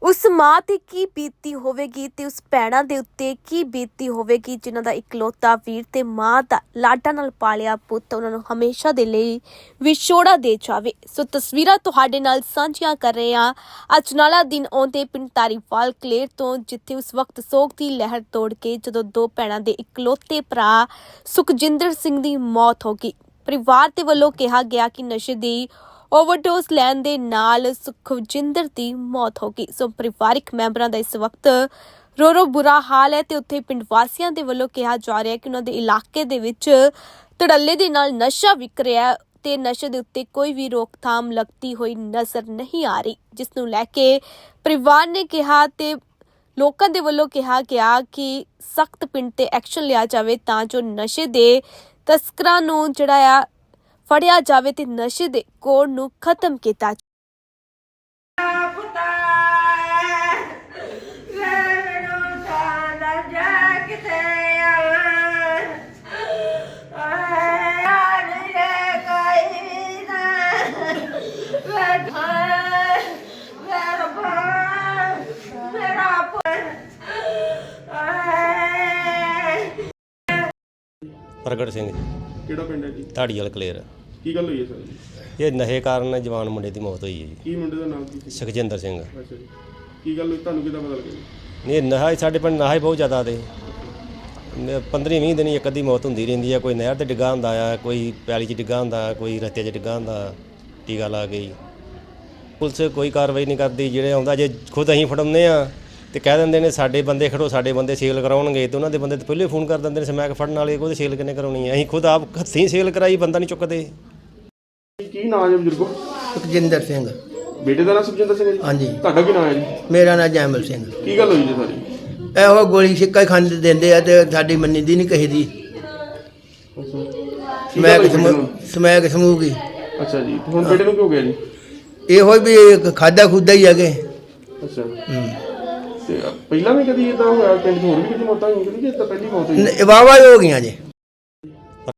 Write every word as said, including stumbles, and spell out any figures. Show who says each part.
Speaker 1: उस माँ ते की बीती होवेगी ते उस भैणां दे उत्ते की बीती होवेगी जिन्हां दा इकलौता वीर ते माँ दा लाडा नाल पालिया पुੱਤ ਉਹਨਾਂ ਨੂੰ ਹਮੇਸ਼ਾ ਦੇ ਲਈ ਵਿਛੋੜਾ ਦੇ ਜਾਵੇ। ਸੋ ਤਸਵੀਰਾਂ ਤੁਹਾਡੇ ਨਾਲ ਸਾਂਝੀਆਂ ਕਰ ਰਹੇ ਹਾਂ ਅਜਨਾਲਾ ਦਿਨ ਆਉਂਦੇ ਪਿੰਡ ਧਾਰੀਵਾਲ ਕਲੇਰ ਤੋਂ, ਜਿੱਥੇ ਉਸ ਵਕਤ ਸੋਗ ਦੀ ਲਹਿਰ ਤੋੜ ਕੇ ਜਦੋਂ ਦੋ ਭੈਣਾਂ ਦੇ ਇਕਲੌਤੇ ਭਰਾ ਸੁਖਜਿੰਦਰ ਸਿੰਘ ਦੀ ਮੌਤ ਹੋ ਗਈ। ਪਰਿਵਾਰ ਦੇ ਵੱਲੋਂ ਕਿਹਾ ਗਿਆ ਕਿ ਨਸ਼ੇ ਦੀ ओवरडोज लैन दे नाल सुखजिंदर दी मौत हो गई। सो परिवारिक मैंबरां दा इस वक्त रो रो बुरा हाल है ते उत्थे पिंड वासियां दे वल्लों कहा जा रहा है कि उन्हां दे इलाके दे विच धड़ल्ले दे नाल नशा विक रिहा है ते नशे दे उत्ते कोई भी रोकथाम लगती हुई नज़र नहीं आ रही, जिस नूं लैके परिवार ने कहा ते लोकां दे वल्लों कहा गया कि सख्त पिंड ते एक्शन लिया जावे तां जो नशे दे तस्करां नूं जिहड़ा आ फड़िया जावे ते नशे दे कोड़ नूं खत्म कीता जावे।
Speaker 2: प्रगट सिंह जी
Speaker 3: ਕਿਹੜਾ ਪਿੰਡ ਹੈ ਜੀ?
Speaker 2: ਧਾੜੀਵਾਲ ਕਲੇਰ।
Speaker 3: ਕੀ ਗੱਲ ਹੋਈ ਹੈ ਸਰ?
Speaker 2: ਇਹ ਨਸ਼ੇ ਕਾਰਨ ਜਵਾਨ ਮੁੰਡੇ ਦੀ ਮੌਤ ਹੋਈ ਹੈ ਜੀ,
Speaker 3: ਕੀ ਮੁੰਡੇ ਦਾ ਨਾਮ ਕੀ ਸੀ?
Speaker 2: ਸੁਖਜਿੰਦਰ ਸਿੰਘ।
Speaker 3: ਅੱਛਾ ਜੀ, ਕੀ ਗੱਲ ਹੋਈ, ਤੁਹਾਨੂੰ ਕਿੱਦਾਂ ਪਤਾ ਲੱਗਿਆ ਜੀ?
Speaker 2: ਨਹੀਂ ਨਸ਼ਾ ਹੀ ਸਾਡੇ ਪਿੰਡ ਨਸ਼ਾ ਹੀ ਬਹੁਤ ਜ਼ਿਆਦਾ ਤੇ ਪੰਦਰਾਂ ਵੀਹ ਦਿਨ ਇੱਕ ਅੱਧੀ ਮੌਤ ਹੁੰਦੀ ਰਹਿੰਦੀ ਆ। ਕੋਈ ਨਹਿਰ ਤੇ ਡਿੱਗਾ ਹੁੰਦਾ ਆ, ਕੋਈ ਪੈਲੀ 'ਚ ਡਿੱਗਾ ਹੁੰਦਾ, ਕੋਈ ਰਸਤੇ 'ਚ ਡਿੱਗਾ ਹੁੰਦਾ, ਟੀਕਾ ਲਾ ਗਈ। ਪੁਲਿਸ ਕੋਈ ਕਾਰਵਾਈ ਨਹੀਂ ਕਰਦੀ। ਜਿਹੜੇ ਆਉਂਦਾ ਜੇ ਖੁਦ ਅਸੀਂ ਫੜਾਉਂਦੇ ਆ ਤੇ ਕਹਿ ਦਿੰਦੇ ਨੇ ਸਾਡੇ ਬੰਦੇ ਖੜੋ, ਸਾਡੇ ਬੰਦੇ ਸੇਲ ਕਰਾਉਣਗੇ, ਤੇ ਉਹਨਾਂ ਦੇ ਬੰਦੇ ਤਾਂ ਪਹਿਲੇ ਫੋਨ ਕਰ ਦਿੰਦੇ ਨੇ ਸਮੈਕ ਫੜਨ ਵਾਲੇ, ਉਹਦੇ ਸੇਲ ਕਿੰਨੇ ਕਰਾਉਣੀ ਹੈ। ਅਸੀਂ ਖੁਦ ਆਪ ਹੱਥੀਂ ਸੇਲ ਕਰਾਈ, ਬੰਦਾ ਨਹੀਂ ਚੁੱਕਦੇ।
Speaker 3: ਕੀ ਨਾਮ ਹੈ ਬਜ਼ੁਰਗੋ?
Speaker 4: ਸੁਖਜਿੰਦਰ ਸਿੰਘ।
Speaker 3: ਬੇਟੇ ਦਾ ਨਾਮ ਸੁਖਜਿੰਦਰ ਸਿੰਘ ਹੈ ਜੀ?
Speaker 4: ਹਾਂਜੀ।
Speaker 3: ਤੁਹਾਡਾ ਕੀ ਨਾਮ ਹੈ ਜੀ?
Speaker 4: ਮੇਰਾ ਨਾਮ ਜੈਮਲ ਸਿੰਘ।
Speaker 3: ਕੀ ਗੱਲ ਹੋਈ ਜੀ ਸਾਰੀ?
Speaker 4: ਇਹੋ ਗੋਲੀ ਸਿੱਕਾ ਹੀ ਖਾਂਦੇ ਦਿੰਦੇ ਆ ਤੇ ਸਾਡੀ ਮੰਨੀ ਦੀ ਨਹੀਂ ਕਹੀ ਦੀ। Smack smack ਸਮੂਗੀ।
Speaker 3: ਅੱਛਾ ਜੀ, ਤੇ ਹੁਣ ਬੇਟੇ ਨੂੰ ਕਿਉਂ ਗਿਆ ਜੀ?
Speaker 4: ਇਹੋ ਵੀ ਖਾਦਾ ਖੁਦਾ ਹੀ ਹੈਗੇ।
Speaker 3: ਅੱਛਾ,
Speaker 4: ਹੂੰ।
Speaker 3: ਤੇ ਪਹਿਲਾਂ ਵੀ ਕਦੀ ਇਦਾਂ ਹੋਇਆ ਪਿੰਡ 'ਚ? ਹੋਰ ਵੀ ਕਿਤੇ ਮੌਤਾਂ ਹੋਈਆਂ ਕਿ ਇਹ ਤਾਂ ਪਹਿਲੀ ਮੌਤ ਹੋਈ?
Speaker 4: ਵਾਵਾ ਹੋ ਗਈਆਂ ਜੇ।